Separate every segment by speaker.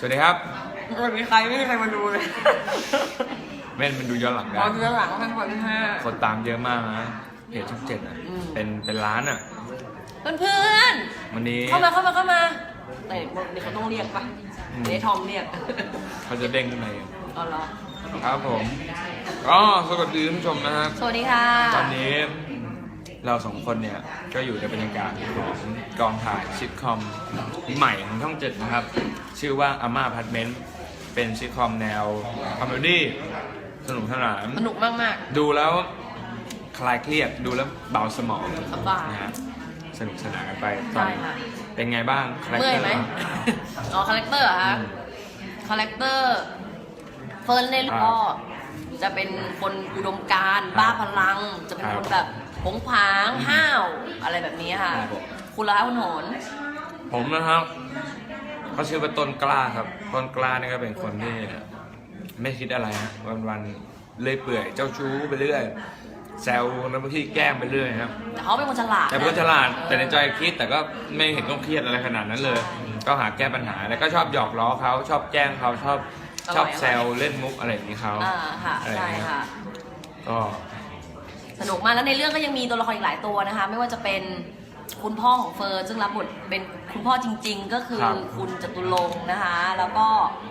Speaker 1: วัสดีครับ
Speaker 2: วันนี้ใครไม่มีใครมาดูเลย
Speaker 1: เม่นมันดูย้อนหลังได้
Speaker 2: ตอนเรื่องหลังท่านคนที่ห้า
Speaker 1: คนตามเยอะมากนะเพจช่องเจ็ดอ่ะเป็นล้านอ่ะ
Speaker 2: เพื่อน
Speaker 1: วันนี้
Speaker 2: ๆเข้ามาแต่เดี๋ยวเขาต้องเรียกปะเดี๋ยวทอมเรียก
Speaker 1: เขาจะเด้งขึ้นมาเอง
Speaker 2: เอาเหรอ
Speaker 1: ครับผมก็สวัสดีท่านผู้ชมนะครับ
Speaker 2: สวัสดีค่ะ
Speaker 1: ตอนนี้เราสองคนเนี่ยก็อยู่ในบรรยากาศของกองถ่ายซิทคอมใหม่ของช่องเจ็ดนะครับชื่อว่าอาม่าอพาร์ตเมนต์เป็นซิทคอมแนวคอมเมดี้สนุกสนาน
Speaker 2: สนุกมาก
Speaker 1: ดูแล้วคลายเครียดดูแล้วเบาสมอง
Speaker 2: สบาย
Speaker 1: นะฮะสนุกสนานกันไป
Speaker 2: ใช่ค่ะ
Speaker 1: เป็นไงบ้างคาแรค
Speaker 2: เมื่อ
Speaker 1: เต
Speaker 2: ย
Speaker 1: อร์
Speaker 2: ไหม อ๋อคาแรคเตอร์เหรอคะคาแรคเตอร์เฟิร์นเล่นก็จะเป็นคนอุดมการณ์บ้าพลัง จะเป็นคนแบบผงผางห้าวอะไรแบบนี้ค่ะ คุณละคะคุณโหน
Speaker 1: ผมนะครับเขาชื่อว่าต้นกล้าครับต้นกล้านี่ก็เป็นคนที่ไม่คิดอะไรฮะวันๆเลื่อยเปื่อยเจ้าชู้ไปเรื่อยแซวแล้วบางทีแกล้งไปเรื่อยครับ
Speaker 2: แต่เขาเป็นคนฉลาด
Speaker 1: แต่เป็นคนฉลาดแต่ในใจคิดแต่ก็ไม่เห็นต้องเครียดอะไรขนาดนั้นเลย ก็หาแก้ปัญหาแล้วก็ชอบหยอกล้อเขาชอบแกล้งเขาชอบแซวเล่นมุกอะไรอย่างนี้เขา
Speaker 2: ค่ะ
Speaker 1: อะไรอ
Speaker 2: ใช่
Speaker 1: ย่างเงี้ย
Speaker 2: ค่ะ
Speaker 1: ก็
Speaker 2: สนุกมากแล้วในเรื่องก็ยังมีตัวละครอีกหลายตัวนะคะ ไม่ว่าจะเป็นคุณพ่อของเฟิร์นซึ่งรับบทเป็นคุณพ่อจริง ๆ ก็คือคุณจตุรงค์นะคะ แล้วก็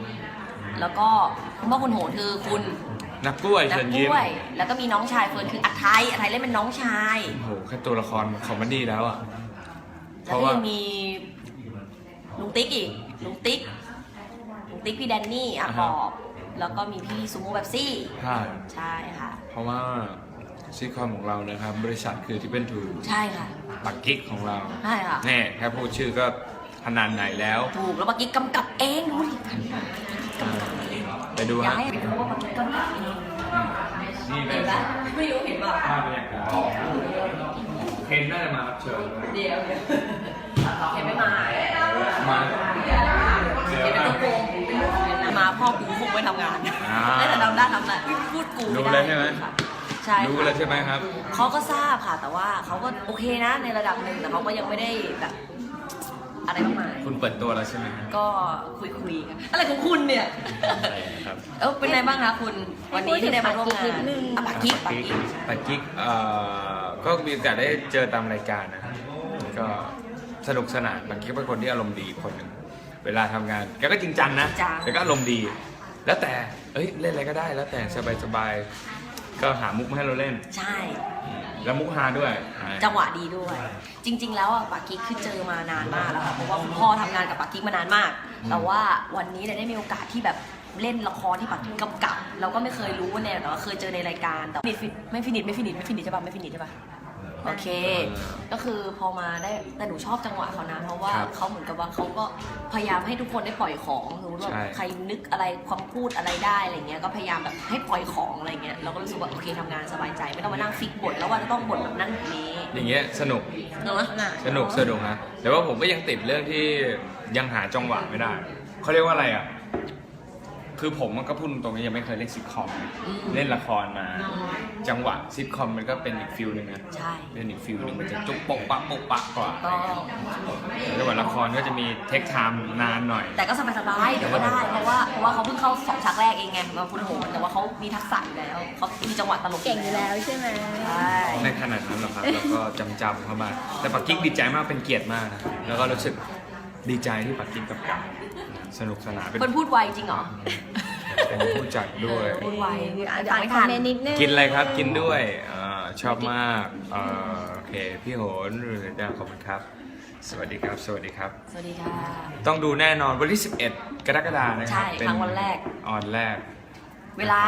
Speaker 2: คุณพ่อคุณโหนคือคุณ
Speaker 1: นักกล้วย
Speaker 2: นั
Speaker 1: เชิญ
Speaker 2: ก
Speaker 1: ยิ้ม
Speaker 2: ล้วยแล้วก็มีน้องชายเฟิร์นคืออัทไทยเล่นเป็นน้องชาย
Speaker 1: โอ้โหแค่ตัวละครคอมเมดี้แล้วอ่ะเพ
Speaker 2: แล้ว
Speaker 1: ราะ
Speaker 2: ก็
Speaker 1: ว่า
Speaker 2: ยังมีลุงติ๊กอีกลุงติ๊กพี่แดนนี่อ่ะปอบแล้วก็มีพี่ซูโม่แบบซี่
Speaker 1: ใช่
Speaker 2: ใช่ค่ะ
Speaker 1: เพราะว่าซิทคอมของเรานะครับบริษัทคือที่เป็นทู
Speaker 2: ใช่ค่ะ
Speaker 1: ปักกิ๊กของเรา
Speaker 2: ใช่ค่ะ
Speaker 1: แน่แค่พูดชื่อก็ขนาดไหนแล้ว
Speaker 2: ถูกแล้วเมื่อกี้กำกับเองดูดิ
Speaker 1: ไปดู
Speaker 2: อยาก
Speaker 1: ฮะ
Speaker 2: ให้รู้ว่าเมื่อกี้กำกับเอง
Speaker 1: นี่เป็
Speaker 2: เห็
Speaker 1: น
Speaker 2: นปะไม่รู้เห็นปะ
Speaker 1: ภาพบรรยากาศเคนน่าจะมารับเชิญด้วย
Speaker 2: เดี๋ยวเห็นไม่มา
Speaker 1: มา
Speaker 2: เห็นเป็นตัวโกงมาพ่อกูคงไม่ทำงานได้แต่ทำได้ทำได้พูดกูไม่ได้
Speaker 1: รู้เลยใช่ไหม
Speaker 2: ใช่
Speaker 1: รู้แล้วใช่ไหมครับ
Speaker 2: เขาก็ทราบค่ะ แต่ว่าเขาก็โอเคนะในระดับหนึ่งแต่เขาก็ยังไม่ได้แบบอะไรมากมาย
Speaker 1: คุณเปิดตัวแล้วใช่ไหมครับ
Speaker 2: ก็คุยกันอะไรของคุณเนี่ย
Speaker 1: ครับ
Speaker 2: เป็นไงบ้างคะคุณวันนี้ที่ได้มาร่วมงานปากกิ๊ก
Speaker 1: ปักกิ๊กก็มีโอกาสได้เจอตามรายการนะครับก็สนุกสนานปักกิ๊กเป็นคนที่อารมณ์ดีคนหนึ่งเวลาทำงานแกก็จริงจังนะแต่ก็อารมณ์ดี แล้วแต่เล่นอะไรก็ได้แล้วแต่สบายๆก็หามุกมาให้เราเล่น
Speaker 2: ใช่
Speaker 1: แล้วมุกฮาด้วย
Speaker 2: จังหวะดีด้วย จริง ๆ แล้วอ่ะปากกิ๊กคือเจอมานานมากแล้วค่ะเพราะว่าคุณพ่อทำงานกับปากกิ๊กมานานมาก แต่ว่าวันนี้เนี่ยได้มีโอกาสที่แบบเล่นละครที่ปากกิ๊กกำกับ เราก็ไม่เคยรู้ว่าเนี่ยแต่ว่าเคยเจอในรายการแต่ไม่ฟินิชใช่ปะไม่ฟินิชใช่ปะโอเค ก็คือพอมาได้แต่หนูชอบจังหวะเขานะเพราะว่าเขาเหมือนกับว่าเขาก็พยายามให้ทุกคนได้ปล่อยของสมมติว่าใครนึกอะไรความพูดอะไรได้อะไรเงี้ยก็พยายามแบบให้ปล่อยของอะไรเงี้ยเราก็รู้สึกว่าโอเคทำงานสบายใจไม่ต้องมานั่งฟิกบทแล้วว่าจะต้องบทแบบนั้นแบบนี้
Speaker 1: อย่างเงี้ยสนุก
Speaker 2: เนอะ
Speaker 1: สนุกนะแต่ว่าผมก็ยังติดเรื่องที่ยังหาจังหวะไม่ได้เขาเรียกว่าอะไรอ่ะคือผมก็พูดตรงๆยังไม่เคยเล่นซิทคอมเล่นละครมาจังหวะซิทคอมมันก็เป็นอีกฟิลหนึ่งนะ
Speaker 2: ใช่
Speaker 1: เป็นอีกฟิลหนึ่งมันจะจุกปกปะกว่า
Speaker 2: ก็
Speaker 1: จังหวะละครก็จะมีเทคไทม์นานหน่อย
Speaker 2: แต่ก็สบายๆเดี๋ยวก็ได้เพราะว่าเขาเพิ่งเข้า2 ฉากแรกเองไงมาคุณโหนแต่ว่าเขามีทักษะอยู่แล้วเขามีจังหวะตลก
Speaker 3: เก่งอยู่แล้วใช่ไหม
Speaker 2: ใช่
Speaker 1: ในขนาดนั้นหรอกครับแล้วก็จำเข้ามาแต่ปักกิ๊กดีใจมากเป็นเกียรติมากนะแล้วก็รู้สึกดีใจที่ปักกิ๊กกับสนุกสนานเป็น
Speaker 2: คนพูดไวจริงเหรอ
Speaker 1: ผู้จัดด้วย
Speaker 2: พูดไว
Speaker 3: อ่านคอมเมนต์นิดนึง
Speaker 1: กินอะไรครับกินด้วยชอบมากโอเคพี่โหนขอบคุณครับ สวัสดีครับ
Speaker 2: สวัสดีค่ะ
Speaker 1: ต้องดูแน่นอนวันที่ 11 กรกฎาคมนะครั
Speaker 2: ใช่ครั้งวันแรก
Speaker 1: ออนแรก
Speaker 2: เวลา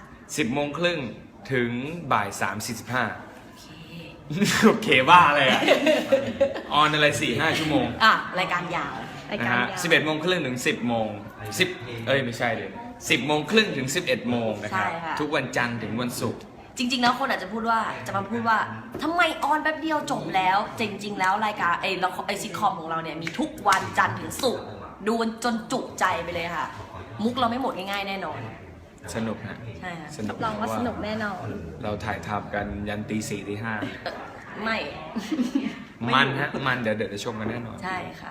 Speaker 1: 10 โมงครึ่งถึงบ่าย 3:45
Speaker 2: โอเค
Speaker 1: โอเคบ้าเลยอ่ะ ออนอะไร 4-5 ชั่วโมง
Speaker 2: รายการยาว
Speaker 3: ราย
Speaker 1: นะ
Speaker 3: การ
Speaker 1: ฮะ
Speaker 3: ยาว
Speaker 1: 11 โมงครึ่งถึง 10 โมงไม่ใช่เลย10 โมงครึ่งถึง 11 โมงนะครับ
Speaker 2: ใช่ค่ะ
Speaker 1: ทุกวันจันทร์ถึงวันศุกร์
Speaker 2: จริง ๆ แล้วคนอาจจะพูดว่าทำไมออนแป๊บเดียวจบแล้ว จริง ๆ แล้วรายการซิทคอมของเราเนี่ยมีทุกวันจันทร์ถึงศุกร์ดูจนจุใจไปเลยค่ะ มุกเราไม่หมดง่ายๆแน่นอน
Speaker 1: สนุกฮะ
Speaker 2: ใช่ค่ะ
Speaker 1: สนุก
Speaker 3: ลองว่าสนุกแน่นอน
Speaker 1: เราถ่ายทำกันยันตี 4 ตี
Speaker 2: ไม่
Speaker 1: 5 มันฮะ มันเดี๋ยวจะชมกันแน่นอน
Speaker 2: ใช่ค่ะ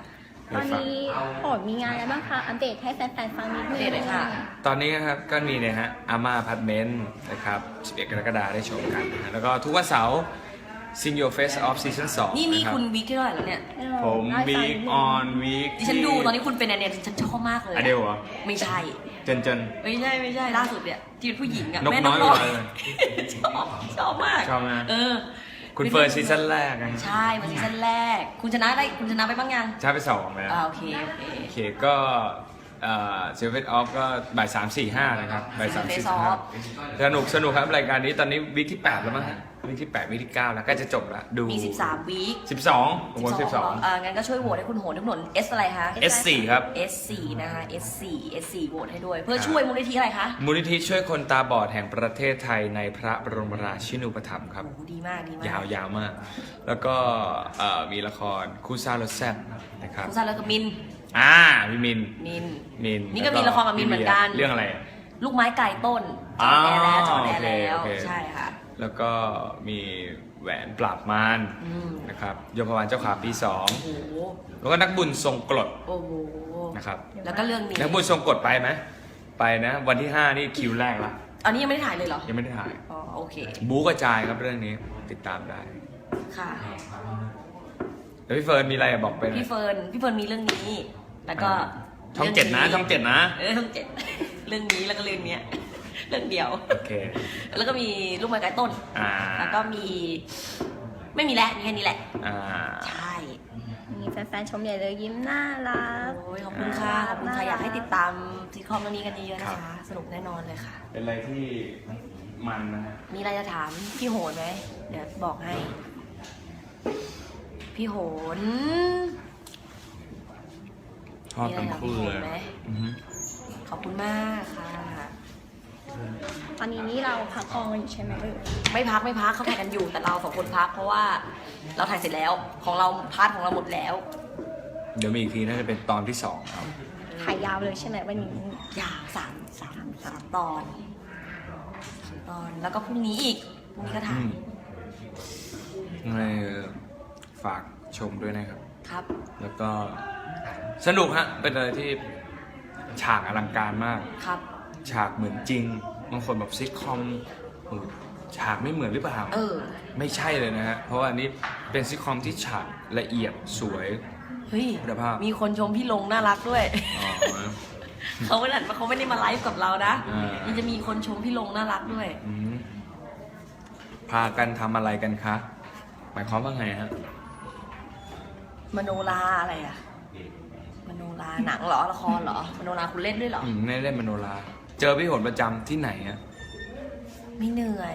Speaker 3: ตอนนี้โหดมีงานอะไรบ้างคะ อัปเดตให้แฟนๆฟังนิดนึง
Speaker 2: อัปเดตเลยค่ะ
Speaker 1: ตอนนี้นะครับก็มีเนี่ยฮะอาม่าพาร์ทเมนต์นะครับ11 กรกฎาคมได้ชมกันนะฮะแล้วก็ทุกวันเสาร์ Sing Your Face Off Season 2
Speaker 2: นี่
Speaker 1: นะครับ
Speaker 2: คุณวีคที่เท่าไหร่แล้วเนี่ย
Speaker 1: ผมวีคออนวีค
Speaker 2: ดิฉันดูตอนนี้คุณเป็นเนี่ยฉันชอบมากเลย
Speaker 1: อเดลเหรอ
Speaker 2: ไม่ใช่
Speaker 1: เจน
Speaker 2: ไม่ใช่ล่าสุดเนี่ยที่เป็นผู้หญิงอะ
Speaker 1: นก
Speaker 2: แม่
Speaker 1: น้อย
Speaker 2: น้อย
Speaker 1: เลย
Speaker 2: ชอบมาก
Speaker 1: ชอบไหม
Speaker 2: เออ
Speaker 1: คุณเฟิร์นซีซั่นแรกนะ
Speaker 2: ใช่มาซีซั่นแรก คุณชนะไปบ้างยัง
Speaker 1: ใช่ไป2แล้ว
Speaker 2: โอเค
Speaker 1: โอเคก็เซเว่นออฟก็บ่าย 3-4-5 นะครับบ่าย
Speaker 2: Face
Speaker 1: 3-4-5
Speaker 2: Off
Speaker 1: สนุกครับรายการนี้ตอนนี้วีคที่ 8 แล้วมั้งฮะวีคที่ 8 วีคที่ 9 แล้วใก็จะจบแล้วดู
Speaker 2: มี 13 วีค
Speaker 1: 12ผมว่า
Speaker 2: งั้นก็ช่วยโหวตให้คุณโหนทุกหนน S อะไรคะ
Speaker 1: 12 S4 ครับ
Speaker 2: S4 นะคะ S4 โหวตให้ด้วย เพื่อช่วยมูลนิธิอะไรคะ
Speaker 1: มูลนิธิช่วยคนตาบอดแห่งประเทศไทยในพระบรมราชินูปถัมภ์ครับ
Speaker 2: โอ้โหดีมากดีมาก
Speaker 1: ยาวมาก แล้วก็มีละครคู่ซ่ารถแซ่บนะครับ
Speaker 2: คุณซาแล้วกับมิน
Speaker 1: พี่มิน
Speaker 2: นี่ก็มีละครกับมินเหมือนกัน
Speaker 1: เรื่องอะไรอะ
Speaker 2: ลูกไม้ไก่ต้นจอแอร์แล้วจอแอร์แล้ว
Speaker 1: โอเค
Speaker 2: ใช่ค่ะ
Speaker 1: แล้วก็มีแหวนปราบมาร
Speaker 2: อืม
Speaker 1: นะครับยมพบาลเจ้าขาปี
Speaker 2: โอ้โห
Speaker 1: 2 แล้วก็นักบุญทรงกรด
Speaker 2: โอ้โห
Speaker 1: นะครับ
Speaker 2: แล้วก็เรื่องนี้
Speaker 1: นักบุญทรงกรดไปไหมไปนะวันที่ 5 นี่คิวแรกละ
Speaker 2: อันนี้ยังไม่ได้ถ่ายเลยเหรอ
Speaker 1: ยังไม่ได้ถ่าย
Speaker 2: อ๋อโอเค
Speaker 1: บู๊กระจายครับเรื่องนี้ติดตามได้
Speaker 2: ค่ะ
Speaker 1: แล้วพี่เฟิร์นมีอะไรบอกไปนะ
Speaker 2: พี่เฟิร์นมีเรื่องนี้ แล้วก็
Speaker 1: ช่องเจ็ดนะช่องเจ็ดนะ
Speaker 2: ช่องเจ็ด เรื่องนี้แล้วก็เรื่องเนี้ย เรื่องเดียว
Speaker 1: โอเค
Speaker 2: แล้วก็มีลูกไม้ไก่ต้น แล้วก็มีไม่มีแล้วมีแค่นี้แหละ ใช่
Speaker 3: มีแฟนๆชมใหญ่เลยยิ้มน่ารัก
Speaker 2: โอ้ยขอบคุณค่ะขอบคุณค่ะอยากให้ติดตามซีคอมเรื่องนี้กันเยอะๆนะ
Speaker 1: ครั
Speaker 2: คะ
Speaker 1: บ
Speaker 2: สนุกแน่นอนเลยค่ะ
Speaker 1: เป็นอะไรที่มันนะฮะ
Speaker 2: มีอะไรจะถามพี่โหนไหมเดี๋ยวบอกให้ พี่โหน
Speaker 1: ชอบทั้งคู่เลย
Speaker 2: มีอะไรกับพี่โหนไหม
Speaker 1: อือฮึ
Speaker 2: ขอบคุณมากค่ะ
Speaker 3: ตอนนี้นี่เราพักกองกันอยู่ใช่ไหมเอ่ย
Speaker 2: ไม่พักเขาถ่ายกันอยู่แต่เราสองคนพักเพราะว่าเราถ่ายเสร็จแล้วของเราพาร์ทของเราหมดแล้ว
Speaker 1: เดี๋ยวมีอีกทีน่าจะเป็นตอนที่ 2 ครับ
Speaker 3: ถ่ายยาวเลยใช่ไหมวันนี้
Speaker 2: ยาวสามตอนแล้วก็พรุ่งนี้อีกพรุ่งนี้ก็ถ่าย
Speaker 1: ยังไงฝากชมด้วยนะครับ
Speaker 2: ครับ
Speaker 1: แล้วก็สนุกฮะ เป็นอะไรที่ฉากอลังการมาก
Speaker 2: ครับ
Speaker 1: ฉากเหมือนจริง บางคนแบบซิทคอมฉากไม่เหมือนหรือเปล่า ไม่ใช่เลยนะฮะ เพราะว่าอันนี้เป็นซิทคอมที่ฉากละเอียดสวย
Speaker 2: เฮ้ย
Speaker 1: คุณภาพ
Speaker 2: มีคนชมพี่ลงน่ารักด้วย
Speaker 1: อ๋อ
Speaker 2: เขาไม่ได้มาไลฟ์กับเรานะ
Speaker 1: อ่ายั
Speaker 2: ยังจะมีคนชมพี่ลงน่ารักด้วย
Speaker 1: อืมพากันทำอะไรกันคะ หมายความว่าไงฮะ
Speaker 2: มโนราอะไรอะมโนราหนังเหรอละครเหรอมโนราคุณเล่นด้วยเหรอ
Speaker 1: ไม่ได้เล่นมโนรา เจอพี่โหนประจำที่ไหนฮะ
Speaker 2: ไม่เหนื่อย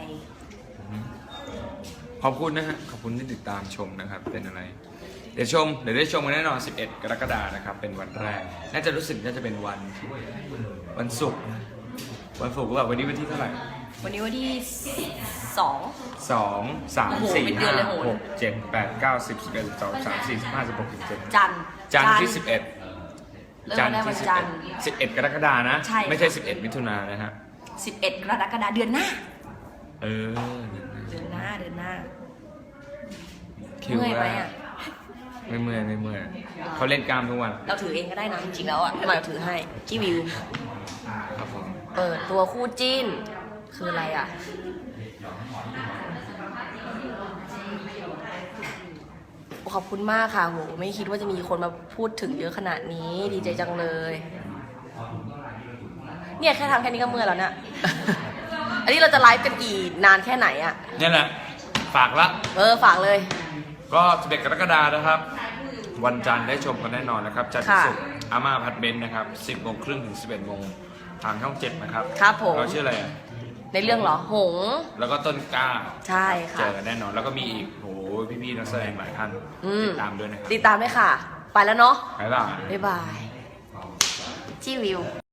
Speaker 1: ขอบคุณนะฮะ ขอบคุณที่ติดตามชมนะครับ เป็นอะไร เดี๋ยวได้ชมกันแน่นอน 11 กรกฎาคมนะครับ เป็นวันแรก น่าจะรู้สึกน่าจะเป็นวันศุกร์นะวันศุกร์ก็แบบวันนี้วันที่เท่าไหร่
Speaker 2: วันนี้วันที่2
Speaker 1: 2 3
Speaker 2: โอ้โหเป็น
Speaker 1: 4
Speaker 2: เดือนเลยโห
Speaker 1: 5 6 7 8 9 10 11 12 13 14 15 16 17
Speaker 2: จันทร์
Speaker 1: จันทร์ที่ 11
Speaker 2: เริ่มวันแรกวันจันทร์
Speaker 1: 11 กรกฎาคมนะ
Speaker 2: ใช่ค่ะ
Speaker 1: ไม่ใช่ 11 มิถุนายนนะฮะ
Speaker 2: 11 กรกฎาคมเดือนหน้า
Speaker 1: เออ
Speaker 2: เดือนหน้า
Speaker 1: คิว
Speaker 2: เมื่อยไหม
Speaker 1: แรก
Speaker 2: อะ
Speaker 1: ไม่เมื่อยเขาเล่นกล้ามทุกวัน
Speaker 2: เราถือเองก็ได้นะจริงๆแล้วอ่ะให้มาเราถือให้ที่วิว
Speaker 1: ครับผม
Speaker 2: เปิดตัวคู่จิ้น คืออะไรอ่ะ ขอบคุณมากค่ะโหไม่คิดว่าจะมีคนมาพูดถึงเยอะขนาดนี้ ดีใจจังเลย เนี่ยแค่ทำแค่นี้ก็เมื่อยแล้วเนี่ย อันนี้เราจะไลฟ์กันกี่นานแค่ไหนอ่ะ
Speaker 1: นี่แหละ ฝากละ
Speaker 2: ฝากเลย
Speaker 1: ก็11 กรกฎาคมนะครับ วันจันทร์ได้ชมกันแน่นอนนะครับจันทร์ถึง
Speaker 2: ค่ะ
Speaker 1: ศุกร์อาม่าพัดเบนซ์นะครับ 10 โมงครึ่งถึง 11 โมงทางช่อง 7 นะครับ
Speaker 2: ครับผม
Speaker 1: เราชื่ออะไรอะ
Speaker 2: ในเรื่องเหรอ หงส์
Speaker 1: แล้วก็ต้นกล้า
Speaker 2: ใช่
Speaker 1: เจ
Speaker 2: ค่ะ
Speaker 1: อกันแน่นอน แล้วก็มีอีกโหพี่ๆนักแสดงหลายท่าน ติดตามด้วยนะครับ
Speaker 2: ติดตามด้วยค่ะ ไปแล้วเนาะ
Speaker 1: บ๊ายบาย
Speaker 2: บ๊ายบาย ที่วิว